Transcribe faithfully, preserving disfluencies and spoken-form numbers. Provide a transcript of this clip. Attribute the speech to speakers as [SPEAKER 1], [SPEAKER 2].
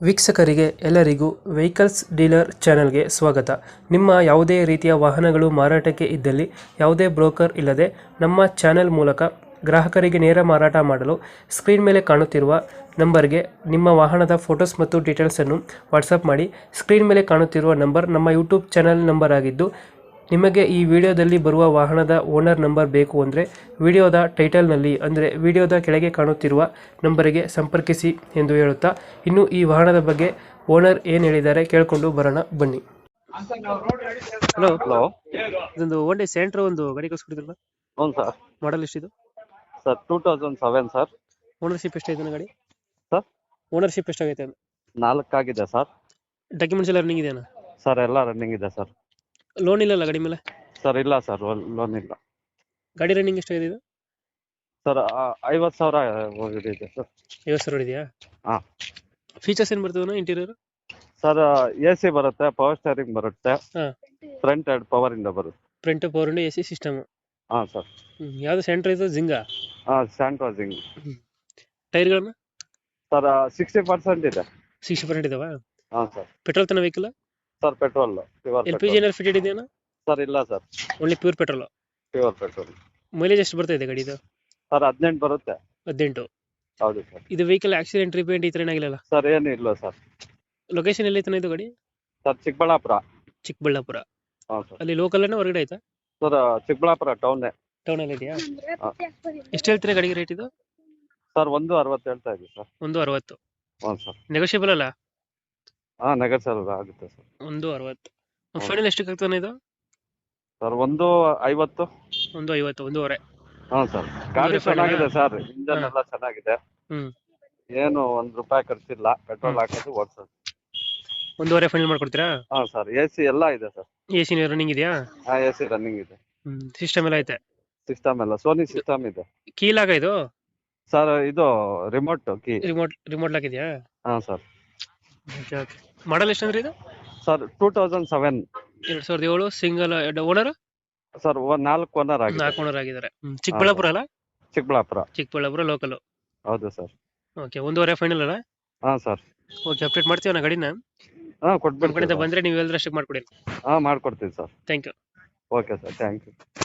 [SPEAKER 1] ವೀಕ್ಷಕರಿಗೆ ಎಲ್ಲರಿಗೂ vehicles dealer ಚಾನೆಲ್ಗೆ ಸ್ವಾಗತ. ನಿಮ್ಮ ಯಾವುದೇ ರೀತಿಯ ವಾಹನಗಳು ಮಾರಾಟಕ್ಕೆ ಇದ್ದಲ್ಲಿ ಯಾವುದೇ ಬ್ರೋಕರ್ ಇಲ್ಲದೆ ನಮ್ಮ ಚಾನೆಲ್ ಮೂಲಕ ಗ್ರಾಹಕರಿಗೆ ನೇರ ಮಾರಾಟ ಮಾಡಲು ಸ್ಕ್ರೀನ್ ಮೇಲೆ ಕಾಣುತ್ತಿರುವ ನಂಬರ್ಗೆ ನಿಮ್ಮ ವಾಹನದ ಫೋಟೋಸ್ ಮತ್ತು ಡೀಟೇಲ್ಸನ್ನು ವಾಟ್ಸಪ್ ಮಾಡಿ. ಸ್ಕ್ರೀನ್ ಮೇಲೆ ಕಾಣುತ್ತಿರುವ ನಂಬರ್ ನಮ್ಮ ಯೂಟ್ಯೂಬ್ ಚಾನೆಲ್ ನಂಬರ್ ಆಗಿದ್ದು, ನಿಮಗೆ ಈ ವಿಡಿಯೋದಲ್ಲಿ ಬರುವ ವಾಹನದ ಓನರ್ ನಂಬರ್ ಬೇಕು ಅಂದರೆ ವಿಡಿಯೋದ ಟೈಟಲ್ನಲ್ಲಿ ಅಂದರೆ ವಿಡಿಯೋದ ಕೆಳಗೆ ಕಾಣುತ್ತಿರುವ ನಂಬರಿಗೆ ಸಂಪರ್ಕಿಸಿ ಎಂದು ಹೇಳುತ್ತಾ, ಇನ್ನು ಈ ವಾಹನದ ಬಗ್ಗೆ ಓನರ್ ಏನು ಹೇಳಿದ್ದಾರೆ ಕೇಳಿಕೊಂಡು ಬರೋಣ ಬನ್ನಿ. ಹಲೋ
[SPEAKER 2] ಹಲೋ
[SPEAKER 1] ಇದೊಂದು ಒನ್ ಡೇ ಸೆಂಟ್ರ್ ಒಂದು ಗಾಡಿ ಕಳಿಸ್ಕೊಡಿದ್ರಲ್ಲ,
[SPEAKER 2] ಹ್ಞೂ ಸರ್.
[SPEAKER 1] ಮಾಡಲ್ ಎಷ್ಟಿದು?
[SPEAKER 2] Sir two thousand seven sir.
[SPEAKER 1] Ownership ಎಷ್ಟಾಗಿದೆ ಗಾಡಿ?
[SPEAKER 2] ಸರ್
[SPEAKER 1] ಓನರ್ಶಿಪ್ ಎಷ್ಟಾಗೈತೆ?
[SPEAKER 2] ನಾಲ್ಕಾಗಿದೆ ಸರ್.
[SPEAKER 1] ಡಾಕ್ಯುಮೆಂಟ್ಸ್ ಎಲ್ಲ ರನ್ನಿಂಗ್ ಇದೆಯಾ?
[SPEAKER 2] ಸರ್ ಎಲ್ಲ ರನ್ನಿಂಗ್ ಇದೆ ಸರ್.
[SPEAKER 1] ಲೋನ್ ಇಲ್ಲಲ್ಲ ಗಾಡಿ ಮೇಲೆ?
[SPEAKER 2] ಸರ್ ಇಲ್ಲ ಸರ್, ಲೋನ್ ಇಲ್ಲ.
[SPEAKER 1] ಗಾಡಿ ರನ್ನಿಂಗ್ ಎಷ್ಟಾಗಿದೆ ಇದು?
[SPEAKER 2] ಸರ್ ಐವತ್ತು ಸಾವಿರ ಹೋಗಿದೆ ಸರ್.
[SPEAKER 1] ಐವತ್ತು ಸಾವಿರ ಇದೆಯಾ?
[SPEAKER 2] ಹಾಂ.
[SPEAKER 1] ಫೀಚರ್ಸ್ ಏನು ಬರ್ತದೆ ಇಂಟೀರಿಯರ್?
[SPEAKER 2] ಸರ್ ಎ ಸಿ ಬರುತ್ತೆ, ಪವರ್ ಸ್ಟೇರಿಂಗ್ ಬರುತ್ತೆ,
[SPEAKER 1] ಹಾಂ.
[SPEAKER 2] ಫ್ರಂಟ್ ಎರಡು ಪವರ್ ಇಂದ ಬರುತ್ತೆ.
[SPEAKER 1] ಫ್ರಂಟ್ ಪವರ್ ಇಂಡ ಎ ಸಿ ಸಿಸ್ಟಮ್.
[SPEAKER 2] ಹಾಂ ಸರ್.
[SPEAKER 1] ಯಾವುದು ಸೆಂಟ್ರ್ ಇದು? ಜಿಂಗಾ?
[SPEAKER 2] ಹಾಂ, ಸ್ಯಾಂಟ್ರೋಸಿಂಗ್.
[SPEAKER 1] ಟೈರ್ಗಳನ್ನ?
[SPEAKER 2] ಸರ್ ಸಿಕ್ಸ್ಟಿ ಪರ್ಸೆಂಟ್ ಇದೆ.
[SPEAKER 1] ಸಿಕ್ಸ್ಟಿ ಪರ್ಸೆಂಟ್ ಇದಾವ?
[SPEAKER 2] ಹಾಂ ಸರ್.
[SPEAKER 1] ಪೆಟ್ರೋಲ್ ತನ್ನ vehicle?
[SPEAKER 2] Sir petrol pure.
[SPEAKER 1] L P G ಏನಾದ್ರು ಫಿಟೆಡ್ ಇದೆಯಾ?
[SPEAKER 2] ಸರ್ ಇಲ್ಲ sir,
[SPEAKER 1] only pure petrol.
[SPEAKER 2] Pure petrol.
[SPEAKER 1] Mileage ಎಷ್ಟು ಬರ್ತಾ ಇದೆ ಗಾಡಿದು?
[SPEAKER 2] ಸರ್ ಹದಿನೆಂಟು ಬರುತ್ತೆ.
[SPEAKER 1] ಹದಿನೆಂಟು?
[SPEAKER 2] ಹೌದು ಸರ್.
[SPEAKER 1] ಇದು ವೆಹಿಕಲ್ ಆಕ್ಸಿಡೆಂಟ್ ರಿಪೇಂಟ್ ಈ ಥರ ಏನಾಗಿಲ್ಲ?
[SPEAKER 2] ಸರ್ ಏನು ಇಲ್ಲ ಸರ್.
[SPEAKER 1] ಲೊಕೇಶನ್ ಎಲ್ಲಿ ಐತಾನೆ ಇದು ಗಾಡಿ?
[SPEAKER 2] ಸರ್ ಚಿಕ್ಕಬಳ್ಳಾಪುರ.
[SPEAKER 1] ಚಿಕ್ಕಬಳ್ಳಾಪುರ.
[SPEAKER 2] ಹಾಂ ಸರ್.
[SPEAKER 1] ಅಲ್ಲಿ ಲೋಕಲ್ ಹೊರಗಡೆ ಆಯ್ತಾ?
[SPEAKER 2] Sir Chikkaballapur town.
[SPEAKER 1] ಟೌನಲ್ಲಿ ಇದೆಯಾ? ಎಷ್ಟು ಹೇಳ್ತೀರಾ ಗಾಡಿಗೆ ರೇಟ್ ಇದು?
[SPEAKER 2] ಸರ್ ಒಂದು ಅರವತ್ತು ಹೇಳ್ತಾ ಇದ್ದೀವಿ ಸರ್.
[SPEAKER 1] ಒಂದು ಅರವತ್ತು?
[SPEAKER 2] ಹ್ಞೂ ಸರ್.
[SPEAKER 1] ನೆಗೋಷಿಯಬಲ್ ಅಲ್ಲ?
[SPEAKER 2] ಹಾಂ ನೆಗೋಷಿಯಬಲ್ ಆಗುತ್ತೆ ಸರ್.
[SPEAKER 1] ಒಂದು ಅರವತ್ತು. ಫೈನಲ್ ಎಷ್ಟಕ್ಕೆ ಆಗ್ತಾನೆ ಇದು?
[SPEAKER 2] ಸರ್ ಒಂದು ಐವತ್ತು.
[SPEAKER 1] ಒಂದು ಐವತ್ತು, ಒಂದೂವರೆ?
[SPEAKER 2] ಹಾಂ ಸರ್. ಗಾಡಿ ಚೆನ್ನಾಗಿದೆ ಸರ್, ಇಂಜನ್ ಎಲ್ಲ ಚೆನ್ನಾಗಿದೆ.
[SPEAKER 1] ಹ್ಮ್.
[SPEAKER 2] ಏನು ಒಂದು ರೂಪಾಯಿ ಖರ್ಚಿಲ್ಲ, ಪೆಟ್ರೋಲ್ ಹಾಕೋದು ಓಡಿಸೋದು.
[SPEAKER 1] ಒಂದೂವರೆ ಫೈನಲ್ ಮಾಡ್ಕೊಡ್ತೀರಾ?
[SPEAKER 2] ಹಾಂ ಸರ್. ಎ ಸಿ ಎಲ್ಲ ಇದೆ ಸರ್.
[SPEAKER 1] ಎ ಸಿ ರನ್ನಿಂಗ್ ಇದೆಯಾ?
[SPEAKER 2] ಹಾಂ ಎ ಸಿ ರನ್ನಿಂಗ್ ಇದೆ.
[SPEAKER 1] ಹ್ಮ್. ಸಿಸ್ಟಮ್ ಎಲ್ಲ ಐತೆ?
[SPEAKER 2] ಸಿಸ್ಟಮ್ ಎಲ್ಲ ಸೋನಿ ಸಿಸ್ಟಮ್ ಇದೆ.
[SPEAKER 1] ಕೀಲಾಗ ಇದು?
[SPEAKER 2] ಸರ್ ಇದು remote key.
[SPEAKER 1] Remote remote lock ಇದೆಯಾ?
[SPEAKER 2] ಹಾಂ ಸರ್.
[SPEAKER 1] ಮಾಡಲ್ ಎಷ್ಟು ಅಂದ್ರೆ ಇದು?
[SPEAKER 2] Sir two thousand seven.
[SPEAKER 1] ಎರಡ್ ಸಾವಿರದ ಏಳು. Single owner?
[SPEAKER 2] ಸರ್ ನಾಲ್ಕು ಓನರ್ ಆಗಿದೆ.
[SPEAKER 1] ನಾಲ್ಕು ಓನರ್ ಆಗಿದ್ದಾರೆ. ಚಿಕ್ಕಬಳ್ಳಾಪುರ ಅಲ್ಲ?
[SPEAKER 2] ಚಿಕ್ಕಬಳ್ಳಾಪುರ.
[SPEAKER 1] ಚಿಕ್ಕಬಳ್ಳಾಪುರ ಲೋಕಲ್.
[SPEAKER 2] ಹೌದು ಸರ್.
[SPEAKER 1] ಓಕೆ, ಒಂದೂವರೆ ಫೈನಲ್ ಅಲ್ಲ?
[SPEAKER 2] ಹಾಂ ಸರ್.
[SPEAKER 1] ಓಕೆ, ಅಪ್ಡೇಟ್ ಮಾಡ್ತೀವಿ ನಾ ಗಾಡಿನ.
[SPEAKER 2] ಹಾಂ
[SPEAKER 1] ನಮ್ಮ ಕಡೆಯಿಂದ
[SPEAKER 2] ಕೊಟ್ಬಿಡ್ತೀನಿ.
[SPEAKER 1] ಬಂದ್ರೆ ನೀವು ಹೇಳಿದ್ರೆ ಅಷ್ಟೇ ಮಾಡ್ಕೊಡಿ.
[SPEAKER 2] ಹಾಂ ಮಾಡ್ಕೊಡ್ತೀವಿ sir.
[SPEAKER 1] Thank you.
[SPEAKER 2] Okay sir, thank you.